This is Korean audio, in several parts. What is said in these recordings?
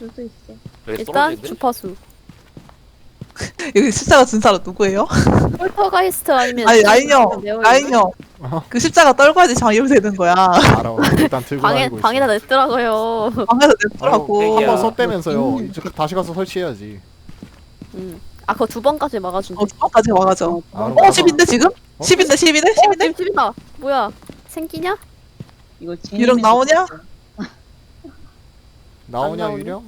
떨어질 수 있어. 일단 주파수. 여기 십자가 든 사람 누구예요? 폴터가이스트 아니면 아니 라인 형, 네오 라인 형. 그 십자가 떨궈야지 장애물 되는 거야. 알아. 일단 들고 다니고 있어. 방에다 냈더라고요. 방에서 냈더라고. 한번 썼다면서요. 이제 다시 가서 설치해야지. 아 그거 2번까지 막아준대. 어까지 와가죠. 알아. 10인데 지금? 10인데 10이네? 10인데? 집이다. 뭐야? 생기냐? 이거 유령 나오냐? 나오냐 나오네. 유령?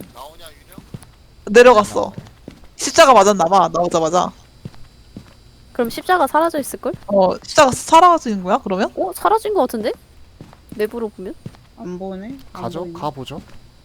내려갔어. 십자가 맞았나봐 나오자마자. 그럼 십자가 사라져 있을걸? 십자가 사라지는 거야 그러면? 사라진 거 같은데? 내부로 보면? 안 보네. 안 가죠? 보이네. 가보죠.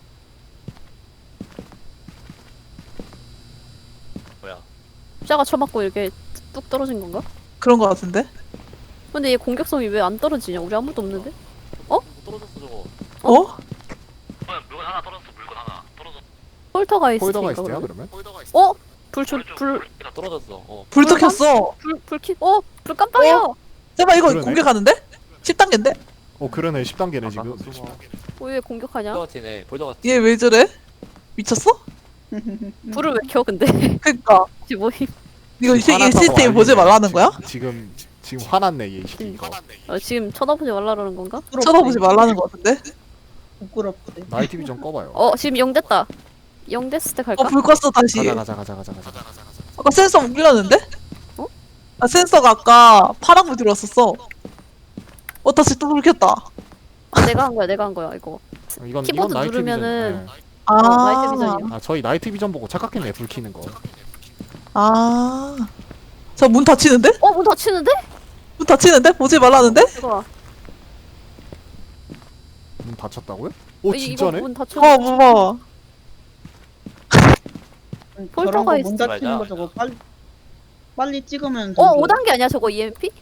뭐야? 십자가 쳐맞고 이렇게 뚝 떨어진 건가? 그런 거 같은데? 근데 얘 공격성이 왜 안 떨어지냐? 우리 아무도 없는데? 뭐 떨어졌어 저거. 어? 물건 하나 떨어졌어. 물건 하나 떨어졌어. 폴터가이스트인가 폴더가이스트야 그러면? 그러면? 불 다 떨어졌어. 불도 켰어. 불 깜빡여! 잠깐 이거 그러네. 공격하는데? 10단계인데? 그러네 10단계네 지금. 왜 공격하냐? 볼더같이네. 볼더같이. 얘 왜 저래? 미쳤어? 불을 왜 켜 근데? 그니까 이게 뭐임? 이거 이 화났다고 시스템 보지 알리네. 말라는 거야? 지금 화났네 얘 새끼 이거. 지금 쳐다보지 말라는 건가? 쳐다보지 말라는 거 같은데? 부끄럽대. 나이트 비전 꺼봐요. 지금 0 됐다. 0 됐을 때 갈까? 불 껐어 다시. 가자. 아까 센서 울렸는데? 어? 아 센서가 아까 파란불 들어왔었어. 다시 또 불 켰다. 내가 한 거야 이거. 이건 키보드 나이트 누르면은 비전. 네. 나이트 비전이야. 아 저희 나이트 비전 보고 착각했네 불 켜는 거. 저 문 닫히는데? 문 닫히는데? 문 닫히는데? 보지 말라는데? 이거 문 닫혔다고요? 오 이거 진짜네? 문 닫혀. 봐봐. 저런 거 문 폴터가이스트. 닫히는 거 저거 빨리 찍으면. 5단계 아니야 저거 EMP?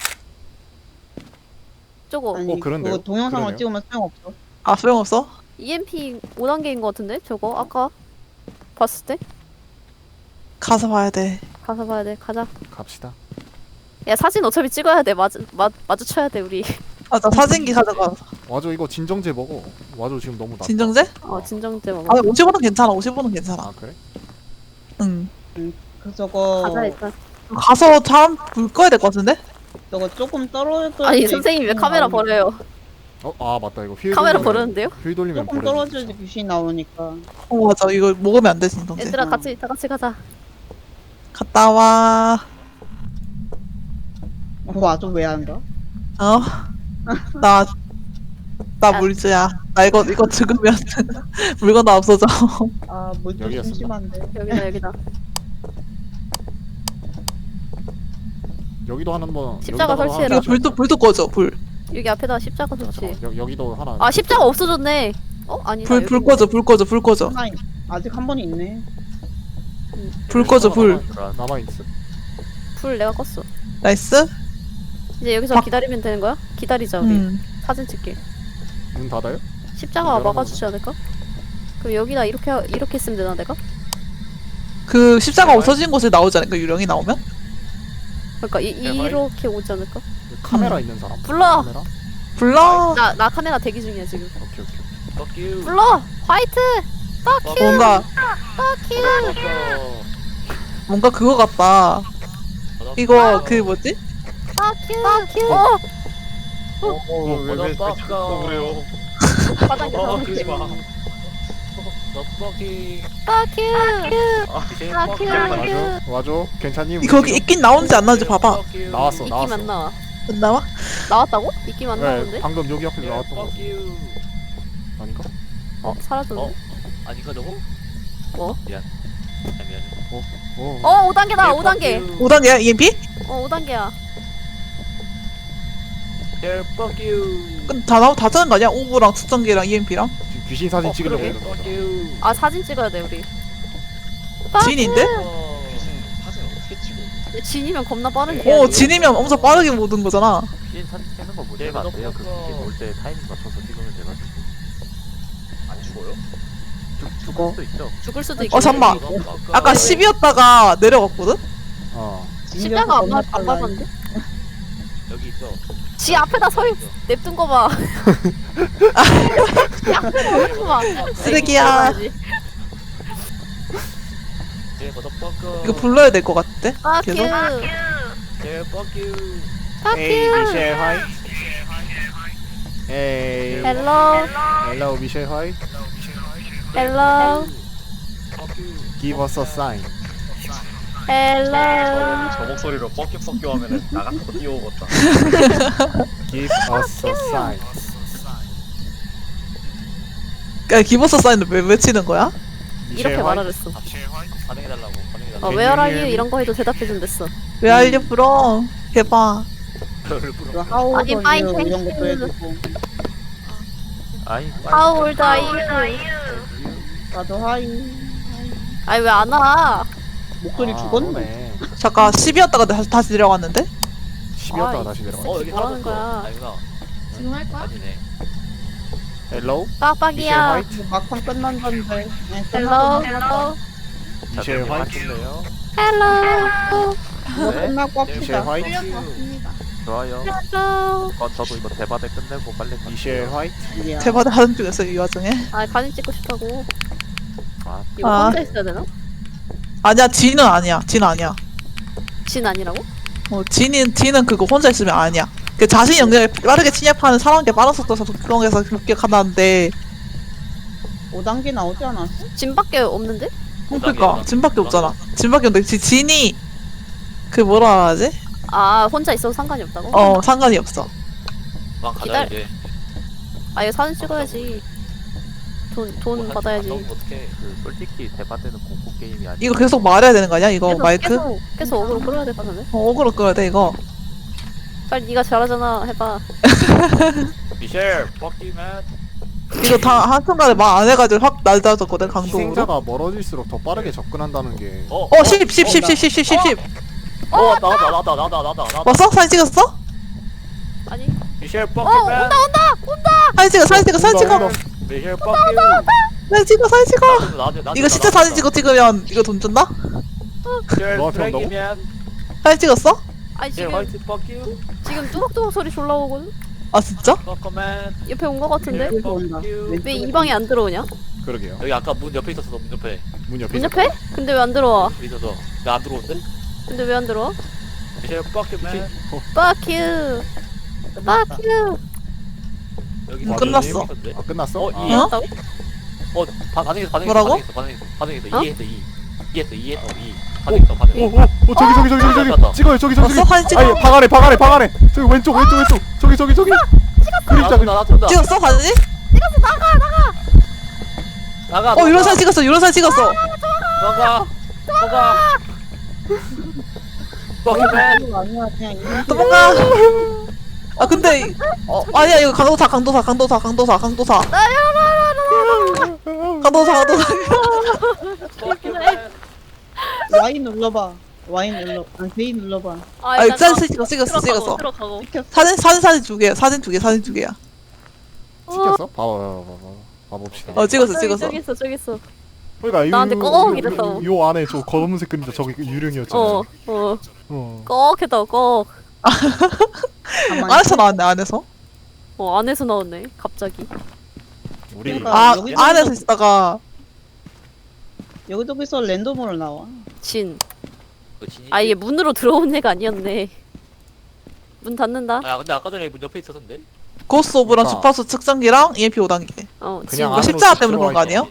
저거 아니 그런데요? 그거 동영상으로 그러네요. 찍으면 소용없어. 소용없어? EMP 5단계인 거 같은데 저거 아까 봤을 때? 가서 봐야 돼. 가서 봐야 돼. 가자. 갑시다. 야 사진 어차피 찍어야 돼. 마주쳐야 돼 우리. 나 사진기 가져가. 와줘 이거 진정제 먹어. 와줘 지금 너무 낮다. 진정제? 진정제 먹어. 55는 괜찮아. 55는 괜찮아. 아 그래? 응. 그 저거 가자 일단. 가서 잠 불 꺼야 될 것 같은데? 저거 조금 떨어져. 아니 선생님 왜 카메라 버려요? 아 맞다 이거 휠 카메라 돌리면- 버렸는데요? 휠 돌리면 조금 버려. 떨어져야지 귀신 나오니까. 맞아. 이거 먹으면 안 돼, 진정제. 얘들아 다 같이 가자. 갔다 와. 와줘 왜 안 가? 나 물주야. 나 이거 죽으면 물건 다 없어져. 물도 여기였었나? 심심한데. 여기다. 여기도 하나 뭐 십자가 여기다가 설치해라. 하나 이거 불도 꺼져. 불. 여기 앞에다 십자가 설치. 여기도 하나. 아 십자가 없어졌네. 아니. 불 꺼져. 불 꺼져. 아직 한 번 있네. 불 꺼져. 불. 남아 있어. 불 내가 껐어. 나이스. 이제 여기서 기다리면 되는 거야? 기다리자 우리. 사진 찍게. 문 닫아요? 십자가 열어놓은 막아주지 않을까? 그럼 여기다 이렇게 쓰면 되나 내가? 그 십자가 없어진 곳에 나오지 않을까? 유령이 나오면? 그러니까 이렇게 오지 않을까? 카메라 있는 사람. 불러! 카메라? 불러. 나 카메라 대기 중이야 지금. 오케이. Fuck you. 불러! 화이트! 빡큐! 빡큐! 뭔가 그거 같다. 이거 그 뭐지? 빡큐! 빡큐! 왜 그래요? 바닥에 그러지 마. 너 fucking. 빡큐! 와줘. 와줘. 괜찮니? 거기 있긴 나오는지 안 나오는지 봐봐. 나왔어. 입김 안 나와. 안 나와? 나왔다고? 입김 안 네, 나오는데? 방금 여기 앞에 나왔던 거 Fuck you. 아닌가? 사라졌네. 아니가 저거? 뭐? 미안. 미안. 5단계다 5단계. 5단계야? EMP? 5단계야. Yeah, fuck you. 다 짜는 거 아니야? 오브랑 측정기랑 EMP랑? 지금 귀신 사진 찍으려고 그러게. 이러는 Fuck 거잖아. you. 사진 찍어야 돼 우리. 진인데? 귀신 사진 어떻게 찍어? 진이면 겁나 빠른 게. 진이면 엄청 빠르게 모든 거잖아. 귀신 사진 찍는 거 문제가 안 돼요. 그 귀신 올 때 타이밍 맞춰서 찍으면 돼가지고. 안 죽어요? 죽을 수도 있죠. 죽을 수도 있고. 잠깐만. 아까 10이었다가 내려갔거든? 십자가 안 밟았는데? 여기 있어. 지 앞에다 냅둔 거 봐. 지 앞에다 냅둔 거 봐. 쓰레기야. 제 머더퍼커. 이거 불러야 될 것 같대. Fuck 계속? you. 제 fuck you. Fuck 에이 you. 미셸 화이트. 에이 Hello. 헬로 미셸 화이트. Hello. fuck you. Give us a sign. Hello. 저 목소리로 뻑큐 하면은 나 같은 거 뛰어오겠다. Give us a sign. 야, 기버스 사인을 왜 외치는 거야? 이렇게 미셸 화이트. 말하랬어. 반응해달라고. 반응해달라고. Where are you? 이런 거 해도 대답해준댔어. 왜 알려불어? 해봐. 별을 그 부르. 하우 아니, fine, 더 이런 thank 것도 you. 해주고. 아이 How old are you? 나도 하이. 아니 왜 안 와? 목소리 죽었네. 잠깐 10이었다가 다시 내려갔는데? 10이었다가 다시 내려가. 여기 뭐라는 사라졌어. 거야? 아니구나. 지금 할 거야? 아니네. 헬로 미셸 빡빡이야. 화이트. 막판 끝난다는데. 네, Hello. Hello. 미셸 화이트. 하실래요? Hello. 이거 네. 끝나고 미셸 합시다. 화이트. 끌려서 왔습니다. 좋아요. Hello. 저도 이거 대바대 끝내고 빨리 갈게요. 미셸 화이트. 야. 대바대 하는 중이었어, 이 와중에. 아 사진 찍고 싶다고. 아, 이거 아. 혼자 있어야 되나? 아니야, 진은 아니야. 진 아니야. 진 아니라고? 진은 그거 혼자 있으면 아니야. 그 자신 영역에 빠르게 침입하는 사람에게 빠른 속도에서 독경에서 목격한다는데 5단계 나오지 않았어? 진밖에 없는데? 그러니까 진밖에 없잖아. 진밖에 없는데 진이 그 뭐라 하지? 아 혼자 있어도 상관이 없다고? 상관이 없어. 막 가자 기다려. 이제. 아 이거 사진 찍어야지. 돈 받아야지. 어떻게? 그 솔직히 대바대는 공포 게임이 아니야. 이거 계속 말해야 되는 거 아니야? 이거 마이크? 계속 어그로 끌어야 될 것 같은데? 어그로 끌어야 돼 이거. 빨리 네가 잘하잖아 해봐. 미셸, fuck you man. 이거 다 한순간에 말 안 해가지고 확 낮아졌거든 강도로. 희생자가 멀어질수록 더 빠르게 접근한다는 게 10. 나다. 왔어? 사진 찍었어? 아니 미셸, fuck you man. 사진 찍어. 미셸, fuck you. 사진 찍어. 이거 진짜 사진 찍으면 이거 돈 준다? 미셸, 너한테 쓰레기 온다고? man. 사진 찍었어? 아니 미셸, 지금 화이트, fuck you. 지금 뚜벅뚜벅 소리 졸라 오거든? 아 진짜? fuck you man. 옆에 온 거 같은데? 왼쪽 온다. 왜 이 방에 안 들어오냐? 그러게요. 여기 아까 문 옆에 있었어. 문 옆에. 문 옆에 문 있었다. 옆에? 근데 왜 안 들어와? 있어서. 나 안 들어온대? 근데 왜 안 들어와? 미셸, fuck you man. Fuck you. Fuck you. 여기 끝났어. 아 끝났어? 어, 아, 이. 어? 반응했어. 뭐라고? 반응했어. 어? 이해했어. 반응했어. 저기 찍어요 저기 왔어? 사진 찍어? 아니 방 안에 저기 왼쪽 저기 그림자 나 쏜다. 찍었어 사진? 나가. 이런 사진 찍었어. 나가. fuck you man. 이거 아니야 그냥 이거 도망가. 아 근데 아니야 이거 강도사. fuck you man. Y 눌러봐. Y 눌러. 아니 V 눌러봐. 아니 사진 찍었어. 들어가고. 사진 두 개야. 사진 두 개야. 찍혔어? 봐봅시다. 찍었어. 저기 있어. 그러니까 나한테 꼭 이랬다고. 요 안에 저 검은색 그림자 저기 유령이었잖아요. 꼭 했다고 꼭. 가만히 안에서 나왔네 안에서. 안에서 나왔네 갑자기. 우리 그러니까 아 여기 안에서 있다가 여기저기서 랜덤으로 나와. 진. 그 진이. 아 이게 문으로 들어온 애가 아니었네. 문 닫는다. 아 근데 아까 전에 문 옆에 있었는데. 고스 오브랑 아. 주파수 측정기랑 EMP 5단계. 진. 그냥 이거 안으로 십자가 쑥 때문에 그런 거 들어와 아니에요?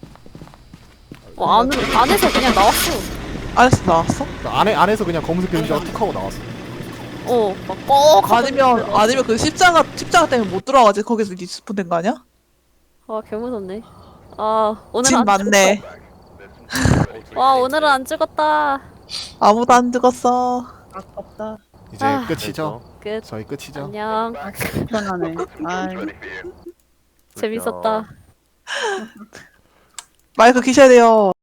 안에서 그냥 나왔어. 안에서 나왔어? 안에서 그냥 검은색 그림자가 툭 하고 나왔어. 막꼭 아니면 그 십자가 때문에 못 들어가지 거기서 리스폰 된 거 아니야? 아 개무섭네. 아 오늘 진 안 맞네. 와 오늘은 안 찍었다. 아무도 안 죽었어. 아깝다. 이제 아. 끝이죠? 끝. 저희 끝이죠? 안녕. 편하네. 아이. 재밌었다. 마이크 키셔야 돼요.